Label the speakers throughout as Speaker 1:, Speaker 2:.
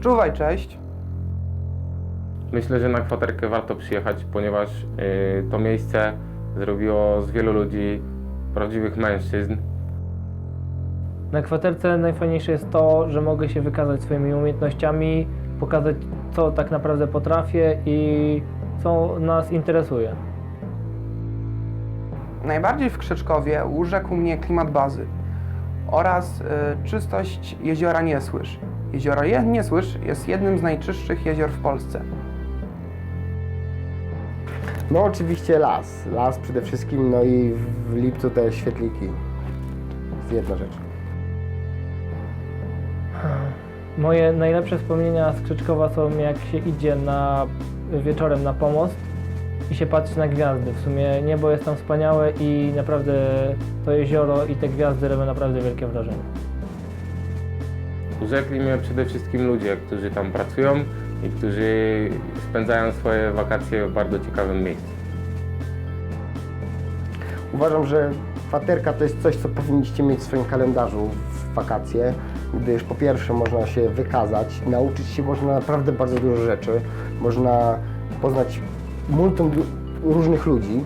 Speaker 1: Czuwaj, cześć.
Speaker 2: Myślę, że na kwaterkę warto przyjechać, ponieważ to miejsce zrobiło z wielu ludzi prawdziwych mężczyzn.
Speaker 3: Na kwaterce najfajniejsze jest to, że mogę się wykazać swoimi umiejętnościami, pokazać, co tak naprawdę potrafię i co nas interesuje.
Speaker 1: Najbardziej w Krzyczkowie urzekł mnie klimat bazy oraz czystość jeziora Niesłysz. Jezioro Niesłysz jest jednym z najczystszych jezior w Polsce.
Speaker 4: No oczywiście las. Las przede wszystkim, no i w lipcu te świetliki. To jest jedna rzecz.
Speaker 3: Moje najlepsze wspomnienia z Krzyczkowa są, jak się idzie wieczorem na pomost i się patrzy na gwiazdy. W sumie niebo jest tam wspaniałe i naprawdę to jezioro i te gwiazdy robią naprawdę wielkie wrażenie.
Speaker 2: Urzekli mnie przede wszystkim ludzie, którzy tam pracują i którzy spędzają swoje wakacje w bardzo ciekawym miejscu.
Speaker 4: Uważam, że kwaterka to jest coś, co powinniście mieć w swoim kalendarzu w wakacje, gdyż po pierwsze można się wykazać, nauczyć się można naprawdę bardzo dużo rzeczy, można poznać multum różnych ludzi.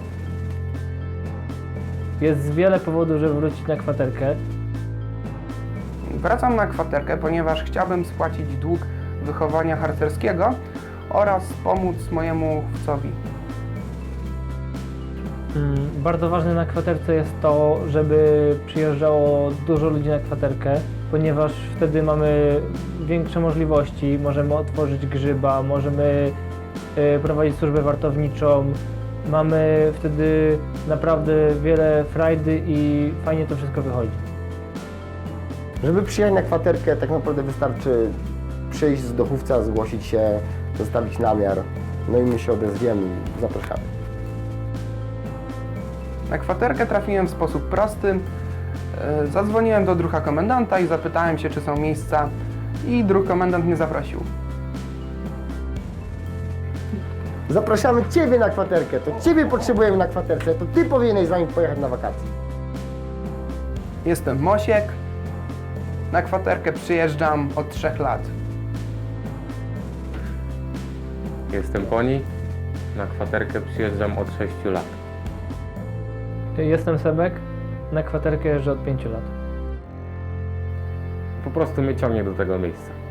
Speaker 3: Jest wiele powodów, żeby wrócić na kwaterkę.
Speaker 1: Wracam na kwaterkę, ponieważ chciałbym spłacić dług wychowania harcerskiego oraz pomóc mojemu chłopcowi.
Speaker 3: Bardzo ważne na kwaterce jest to, żeby przyjeżdżało dużo ludzi na kwaterkę, ponieważ wtedy mamy większe możliwości, możemy otworzyć grzyba, możemy prowadzić służbę wartowniczą, mamy wtedy naprawdę wiele frajdy i fajnie to wszystko wychodzi.
Speaker 4: Żeby przyjechać na kwaterkę, tak naprawdę wystarczy przyjść z dochówca, zgłosić się, zostawić namiar, no i my się odezwiemy i zapraszamy.
Speaker 1: Na kwaterkę trafiłem w sposób prosty. Zadzwoniłem do druha komendanta i zapytałem się, czy są miejsca, i druh komendant mnie zaprosił.
Speaker 4: Zapraszamy Ciebie na kwaterkę, to Ciebie potrzebujemy na kwaterce, to Ty powinieneś z nami pojechać na wakacje.
Speaker 1: Jestem Mosiek. Na kwaterkę przyjeżdżam od 3 lat.
Speaker 2: Jestem Poni, na kwaterkę przyjeżdżam od 6 lat.
Speaker 3: Jestem Sebek, na kwaterkę jeżdżę od 5 lat.
Speaker 2: Po prostu mnie ciągnie do tego miejsca.